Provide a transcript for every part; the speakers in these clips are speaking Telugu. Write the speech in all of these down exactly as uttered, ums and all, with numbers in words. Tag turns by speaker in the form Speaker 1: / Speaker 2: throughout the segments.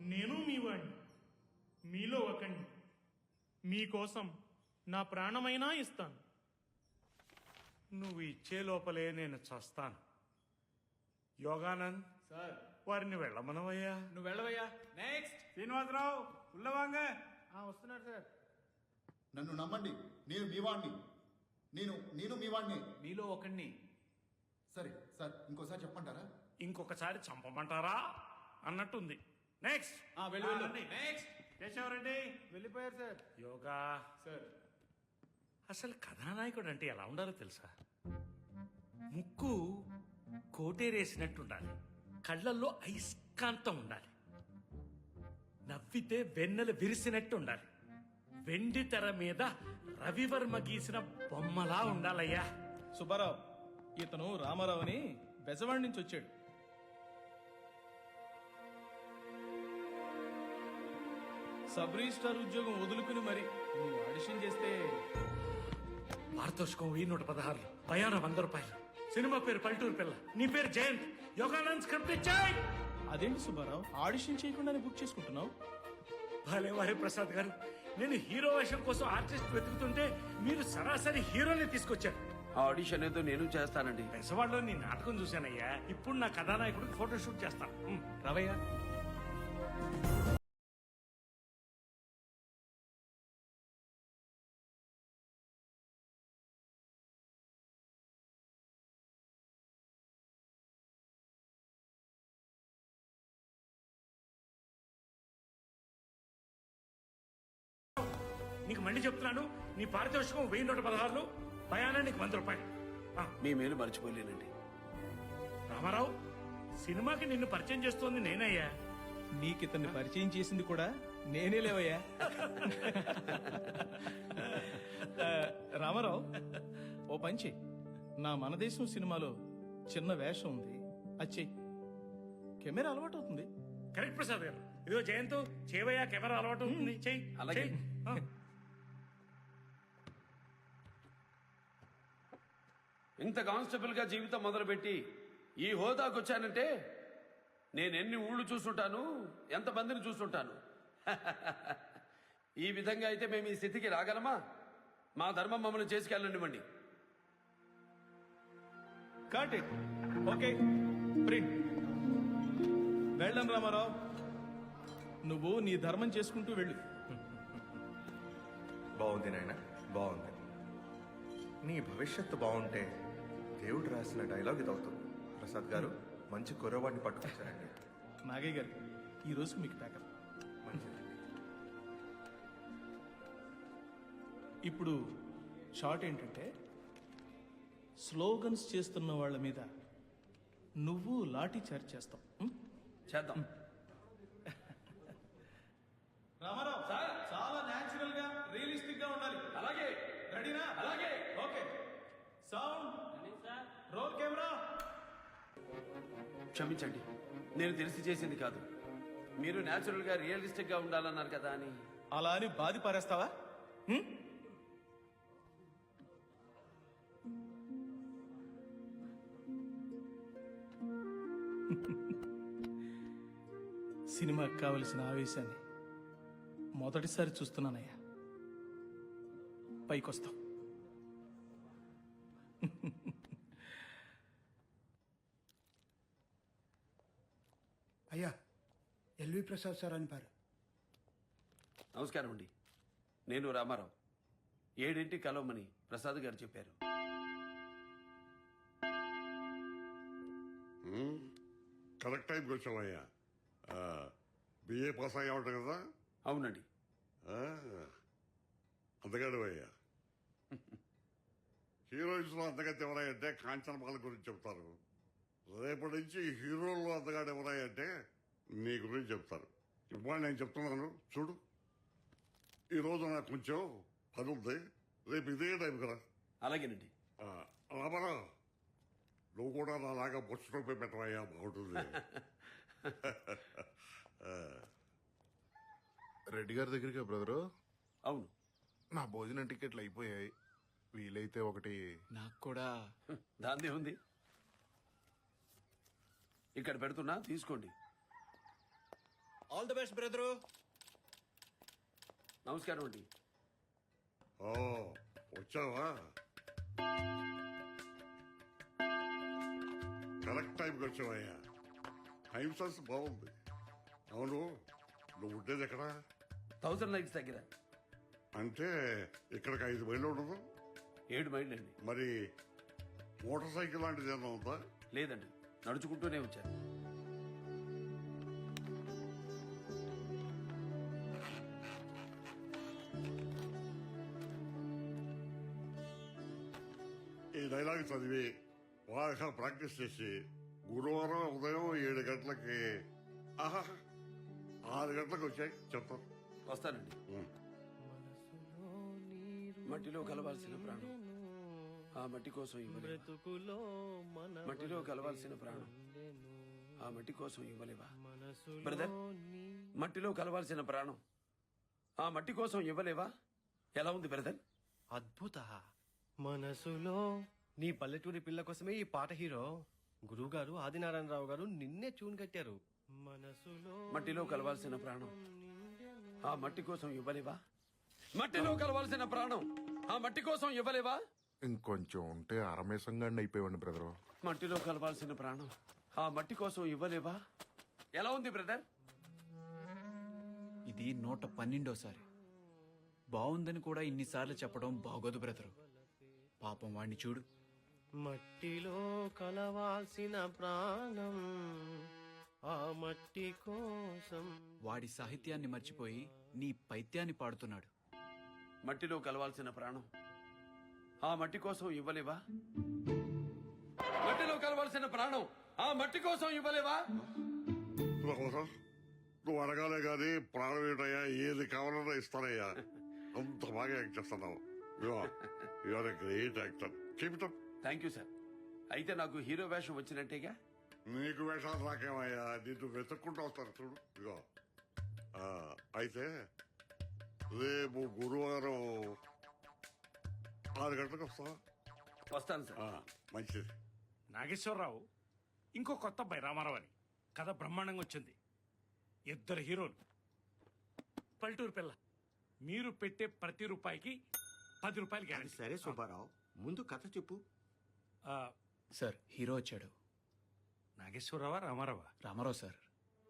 Speaker 1: నేను మీ వాడిని, మీలో ఒకండి. మీకోసం నా ప్రాణమైనా ఇస్తాను.
Speaker 2: నువ్వు ఇచ్చే లోపలే నేను చస్తాను. యోగానంద్
Speaker 3: సార్
Speaker 2: వారిని వెళ్ళమనవయ్యా.
Speaker 3: నువ్వు వెళ్ళవయ్యా. నెక్స్ట్
Speaker 4: శ్రీనివాసరావు ఉల్లవాంగ.
Speaker 3: వస్తున్నాడు సార్.
Speaker 5: నన్ను నమ్మండి, నేను మీ వాణ్ణి. నేను నేను మీ వాణ్ణి.
Speaker 3: మీలో ఒకడిని.
Speaker 5: సరే సార్, ఇంకోసారి చెప్పమంటారా?
Speaker 2: ఇంకొకసారి చంపమంటారా అన్నట్టుంది. నెక్స్ట్
Speaker 3: వెళ్ళు వెళ్ళు.
Speaker 4: రండి.
Speaker 3: నెక్స్ట్
Speaker 4: కేశవరెడ్డి.
Speaker 3: వెళ్ళిపోయారు సార్.
Speaker 2: యోగా
Speaker 3: సార్
Speaker 2: అసలు కథానాయకుడు అంటే ఎలా ఉండాలో తెలుసా? ముక్కు కోటేరేసినట్టు ఉండాలి, కళ్ళల్లో అయస్కాంతం ఉండాలి, నవ్వితే వెన్నెల విరిసినట్టు ఉండాలి, వెండి తెర మీద రవివర్మ గీసిన బొమ్మలా ఉండాలయ్యా.
Speaker 6: సుబ్బారావు, ఇతను రామారావు అని బెజవాడి నుంచి వచ్చాడు. సబ్ రిజిస్ట్రార్ ఉద్యోగం వదులుకుని మరి నువ్వు ఆడిషన్ చేస్తే
Speaker 2: పారితోషికం వెయ్యి నూట పదహారులు, ప్రయాణం వంద రూపాయలు. సినిమా పేరు పల్లెటూరు పిల్ల, నీ పేరు జయంత్. యోగానంద్ స్క్రిప్ట్ ఇచ్చాయి.
Speaker 6: అదేంటి సుబ్బారావు, ఆడిషన్ చేయకుండానే బుక్ చేసుకుంటున్నావు?
Speaker 2: భలే వారి ప్రసాద్ గారు, నేను హీరో వేషం కోసం ఆర్టిస్ట్ వెతుకుతుంటే మీరు సరాసరి హీరోని తీసుకొచ్చారు.
Speaker 7: ఆ ఆడిషన్ ఏదో నేను చేస్తానండి.
Speaker 2: పెసవాడలో నీ నాటకం చూశానయ్యా. ఇప్పుడు నా కథానాయకుడికి ఫోటో షూట్ చేస్తాను. ఉమ్,
Speaker 6: రవయ్య.
Speaker 2: నీకు మళ్ళీ చెప్తున్నాను, నీ పారితోషికం వెయ్యి నూట పదహారులు, ప్రయాణానికి వంద రూపాయలు. ఆ,
Speaker 7: మీ మేలు మర్చిపోలేనండి.
Speaker 2: రామారావు, సినిమాకి నిన్ను పరిచయం చేస్తోంది నేనయ్యా.
Speaker 6: నీకు ఇతన్ని పరిచయం చేసింది కూడా నేనే లేవయ్యా. ఆ, రామారావు, ఓ పంచి, నా మనదేశం సినిమాలో చిన్న వేషం ఉంది, అది చెయ్యి. కెమెరా అలవాటు అవుతుంది.
Speaker 2: కరెక్ట్ ప్రసాద్ గారు. ఇదిగో జయంత్, చేవయ్యా, కెమెరా అలవాటు ఉంటుంది. చెయ్యి.
Speaker 7: అలాగే.
Speaker 2: చెయ్యి. ఆ.
Speaker 7: ఇంత కానిస్టేబుల్ గా జీవితం మొదలుపెట్టి ఈ హోదాకు వచ్చానంటే నేను ఎన్ని ఊళ్ళు చూస్తుంటాను, ఎంతమందిని చూస్తుంటాను. ఈ విధంగా అయితే మేము ఈ స్థితికి రాగలమా? మా ధర్మం మమ్మల్ని చేసుకెళ్ళనివ్వండి.
Speaker 6: Cut it. Okay, print. వెళ్ళం రామారావు, నువ్వు నీ ధర్మం చేసుకుంటూ వెళ్ళు.
Speaker 8: బాగుంది నాయన, బాగుంది. నీ భవిష్యత్తు బాగుంటే దేవుడు రాసిన డైలాగ్ ఇది అవుతుంది. ప్రసాద్ గారు మంచి కుర్రవాడిని పట్టుకొచ్చారండి.
Speaker 6: నాగయ్య గారు, ఈ రోజు మీకు ప్యాకప్.
Speaker 8: మంచిది.
Speaker 6: ఇప్పుడు షార్ట్ ఏంటంటే, స్లోగన్స్ చేస్తున్న వాళ్ళ మీద నువ్వు లాఠీ చార్జ్ చేస్తావు. ఉం?
Speaker 7: చేద్దాం.
Speaker 6: రామారావు, చాలా న్యాచురల్ గా, రియలిస్టిక్ గా ఉండాలి.
Speaker 7: అలాగే.
Speaker 6: రెడీనా?
Speaker 7: అలాగే.
Speaker 6: ఓకే. Sound, roll camera.
Speaker 7: క్షమించండి, నేను తెలిసి చేసింది కాదు. మీరు న్యాచురల్ గా రియలిస్టిక్ గా ఉండాలన్నారు కదా అని.
Speaker 6: అలా అని బాధి పారేస్తావా? ఉం? సినిమాకి కావలసిన ఆవేశాన్ని మొదటిసారి చూస్తున్నానయ్యా. పైకొస్తాం.
Speaker 9: అయ్యా, ఎల్వి ప్రసాద్ సార్ అని పేరు.
Speaker 7: నమస్కారం అండి, నేను రామారావు. ఏడింటి కలవమని ప్రసాద్ గారు చెప్పారు.
Speaker 10: కరెక్ట్ టైంకి వచ్చామయ్యా. బిఏ పాస్ అయ్యా ఉంటాయి కదా.
Speaker 7: అవునండి.
Speaker 10: అందగాడు అయ్యా. హీరోయిన్స్ లో అందగతి ఎవరాయంటే కాంచనమాల గురించి చెప్తారు. రేపటి నుంచి హీరోల్లో అందగాడు ఎవరాయంటే నీ గురించి చెప్తారు. ఇప్పుడు నేను చెప్తున్నాను చూడు. ఈరోజు నాకు కొంచెం పని ఉంది, రేపు ఇదే టైం కదా.
Speaker 7: అలాగేనండి.
Speaker 10: రామారావు, నువ్వు కూడా నాలాగా బొచ్చు టోపీ పెట్టవయ్యా, బాగుంటుంది.
Speaker 11: రెడ్డి గారి దగ్గరికి బ్రదరు.
Speaker 7: అవును.
Speaker 11: నా భోజనం టికెట్లు అయిపోయాయి, వీలైతే ఒకటి.
Speaker 3: నాకు కూడా.
Speaker 7: దాందే ఉంది, ఇక్కడ పెడుతున్నా, తీసుకోండి.
Speaker 3: All the best brother.
Speaker 7: నమస్కారం అండి.
Speaker 10: ఓ వచ్చావా? కరెక్ట్ టైంకి వచ్చావయ్యా. టైం సెన్స్ బాగుంది. అవును, నువ్వు ఉండేది ఎక్కడ?
Speaker 7: థౌసండ్ లైక్స్ దగ్గర.
Speaker 10: అంటే ఇక్కడికి ఐదు మైళ్ళు ఉండదు.
Speaker 7: ఏడు మైళ్ళు అండి.
Speaker 10: మరి మోటార్ సైకిల్ లాంటిది ఏమన్నా ఉందా?
Speaker 7: లేదండి, నడుచుకుంటూనే వచ్చాను.
Speaker 10: ఈ డైలాగ్ చదివి బాగా ప్రాక్టీస్ చేసి గురువారం ఉదయం ఏడు గంటలకి ఆహా ఆరు గంటలకు వచ్చాయి చెప్తాను.
Speaker 7: వస్తానండి. మట్టిలో కలవాల్సిన ప్రాణం ఆ మట్టి కోసం ఇవ్వలేవా? మట్టిలో కలవాల్సిన ప్రాణం ఆ మట్టి కోసం ఇవ్వలేవా? బ్రదర్, మట్టిలో కలవాల్సిన ప్రాణం ఆ మట్టి కోసం ఇవ్వలేవా? ఎలా ఉంది బ్రదర్?
Speaker 12: అద్భుత. మనసులో నీ పల్లెటూరి పిల్ల కోసమే ఈ పాట హీరో. గురువు గారు ఆదినారాయణరావు గారు నిన్నే ట్యూన్ కట్టారు. మనసులో
Speaker 7: మట్టిలో కలవాల్సిన ప్రాణం ఆ మట్టి కోసం ఇవ్వలేవా? మట్టిలో కలవాల్సిన ప్రాణం ఆ మట్టి కోసం ఇవ్వలేవా?
Speaker 11: ఇంకొంచెం ఉంటే అరమేసంగా అయిపోయాడు బ్రదరు.
Speaker 7: మట్టిలో కలవాల్సిన ప్రాణం ఆ మట్టి కోసం ఇవ్వలేవా? ఎలా ఉంది బ్రదర్?
Speaker 3: ఇది నూట పన్నెండోసారి. బాగుందని కూడా ఇన్నిసార్లు చెప్పడం బాగోదు బ్రదరు. పాపం వాణ్ణి చూడు.
Speaker 12: మట్టిలో కలవాల్సిన ప్రాణం ఆ మట్టి కోసం.
Speaker 3: వాడి సాహిత్యాన్ని మర్చిపోయి నీ పైత్యాన్ని పాడుతున్నాడు.
Speaker 7: మట్టిలో కలవాల్సిన ప్రాణం ఆ మట్టి కోసం ఇవ్వలేవా? మట్టిలో కలవాల్సిన ప్రాణం ఆ మట్టి కోసం ఇవ్వలేవా?
Speaker 10: రామారావు, నువ్వు అడగాలే గాని ప్రాణం ఏంటయ్యా, ఏది కావాలన్నా ఇస్తానయ్యా. అంత బాగా యాక్ట్ చేస్తున్నావు. Your great actor. Keep it up.
Speaker 7: Thank you sir. అయితే నాకు హీరో వేషం వచ్చినట్టేగా?
Speaker 10: నీకు వేషాలు రాకేమయ్యా, నిన్ను వెతుక్కుంటూ వస్తాను చూడు. ఇగో ఆ, అయితే రేపు గురువారం ఆరు గంటలకు వస్తావా?
Speaker 7: వస్తాను సార్.
Speaker 10: ఆ, మంచిది.
Speaker 2: నాగేశ్వరరావు, ఇంకో కొత్త అబ్బాయి రామారావు అని. కథ బ్రహ్మాండంగా వచ్చింది. ఇద్దరు హీరోలు, పల్లెటూరు పిల్ల. మీరు పెట్టే ప్రతి రూపాయికి పది రూపాయలు గ్యారెంటీ.
Speaker 12: సరే సుబ్బారావు, ముందు కథ చెప్పు.
Speaker 2: ఆ,
Speaker 3: సార్, హీరో వచ్చాడు.
Speaker 2: నాగేశ్వరరావా రామారావా?
Speaker 3: రామారావు సార్.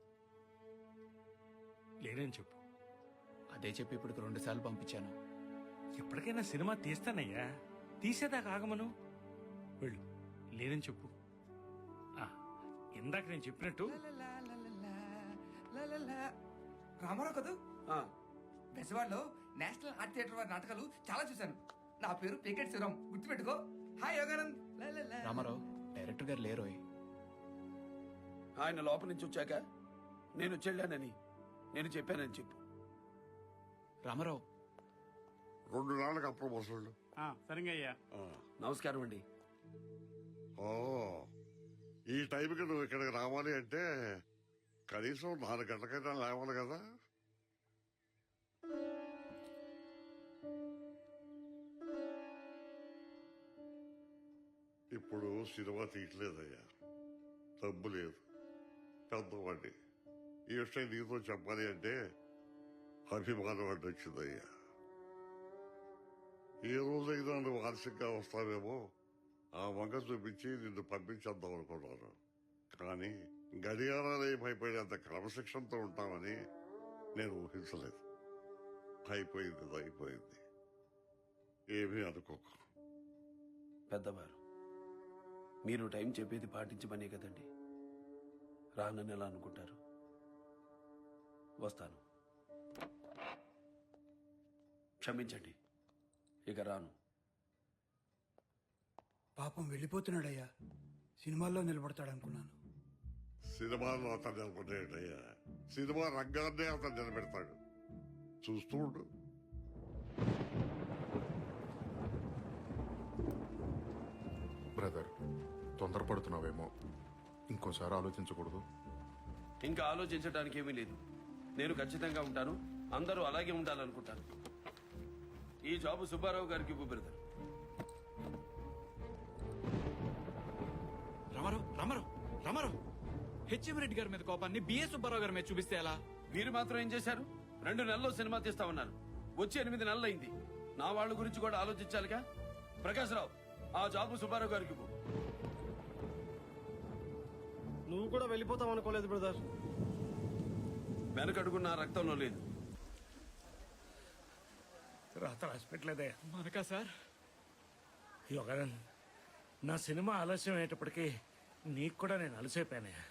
Speaker 2: లేదని చెప్పు.
Speaker 3: అదే చెప్పి ఇప్పుడు రెండు సార్లు పంపించాను.
Speaker 2: ఎప్పటికైనా సినిమా తీస్తానయ్యా, తీసేదాకా ఆగమను. వెళ్ళు, లేదని చెప్పు. ఆ, ఇందాక నేను చెప్పినట్టు
Speaker 13: రామారావు కదూ?
Speaker 7: ఆ,
Speaker 13: బెజవాడలో నేషనల్ ఆర్ట్ థియేటర్ వారి నాటకాలు చాలా చూశాను. నా పేరు పేకెట్ శివరాం, గుర్తుపెట్టుకో. Hi Yoganand. La la la.
Speaker 3: Ramarao, director గారు లేరోయ్.
Speaker 7: ఆయన లోపల నుంచి వచ్చాక నేను చెల్లానని నేను చెప్పానని చెప్పు.
Speaker 3: రామారావు,
Speaker 10: రెండు నాళ్ళకి అప్పుడు వసూళ్ళు.
Speaker 2: సరిగా అయ్యా.
Speaker 7: నమస్కారం అండి.
Speaker 10: ఓ, ఈ టైంకి నువ్వు ఇక్కడికి రావాలి అంటే కనీసం నాలుగు గంటలకైనా లేవాలి కదా. ఇప్పుడు సినిమా తీయట్లేదయ్యా, డబ్బు లేదు, పెద్దవాడి. ఈ విషయం నీతో చెప్పాలి అంటే అభిమానం అడ్డు వచ్చిందయ్యా. ఏ రోజైనా నువ్వు ఆలస్యంగా వస్తావేమో ఆ వంక చూపించి నిన్ను పంపించేద్దాం అనుకున్నాను. కానీ గడియారాలే భయపడేంత క్రమశిక్షణతో ఉంటామని నేను ఊహించలేదు. అయిపోయింది అయిపోయింది, ఏమీ అనుకోకు.
Speaker 7: పెద్దవారు, మీరు టైం చెప్పేది పాటించమనే కదండి. రానని ఎలా అనుకుంటారు? వస్తాను. క్షమించండి, ఇక రాను.
Speaker 9: పాపం వెళ్ళిపోతున్నాడయ్యా. సినిమాల్లో నిలబడతాడు అనుకున్నాను.
Speaker 10: సినిమాలో అతను నిలబడేటయ్యా, సినిమా రంగాన్నే అతను నిలబెడతాడు. చూస్తూ ఉండు.
Speaker 11: బ్రదర్, తొందరపడుతున్నావేమో. ఇంకోసారి ఆలోచించకూడదు.
Speaker 7: ఇంకా ఆలోచించడానికి ఏమీ లేదు. నేను ఖచ్చితంగా ఉంటాను. అందరూ అలాగే ఉండాలనుకుంటాను. ఈ జాబు సుబ్బారావు గారికి ఇవ్వు బ్రదర్.
Speaker 3: రామారావు రామారావు రామారావు హెచ్ఎం రెడ్డి గారి మీద కోపాన్ని బిఏ సుబ్బారావు గారి మీద చూపిస్తే ఎలా?
Speaker 7: మీరు మాత్రం ఏం చేశారు? రెండు నెలల్లో సినిమా తీస్తా ఉన్నారు. వచ్చి ఎనిమిది నెలలు అయింది. నా వాళ్ళ గురించి కూడా ఆలోచించాలిగా. ప్రకాశ్రావు, ఆ జాబు సుబ్బారావు గారికి ఇవ్వు.
Speaker 12: నువ్వు కూడా వెళ్ళిపోతావు అనుకోలేదు బ్రదర్.
Speaker 7: వెనకడుగు నా రక్తంలో లేదు.
Speaker 2: రాత రాసిపెట్టలేదే
Speaker 3: మనకా సార్?
Speaker 2: యోగానంద్, నా సినిమా ఆలస్యం అయ్యేటప్పటికీ నీకు కూడా నేను అలసైపోయానే.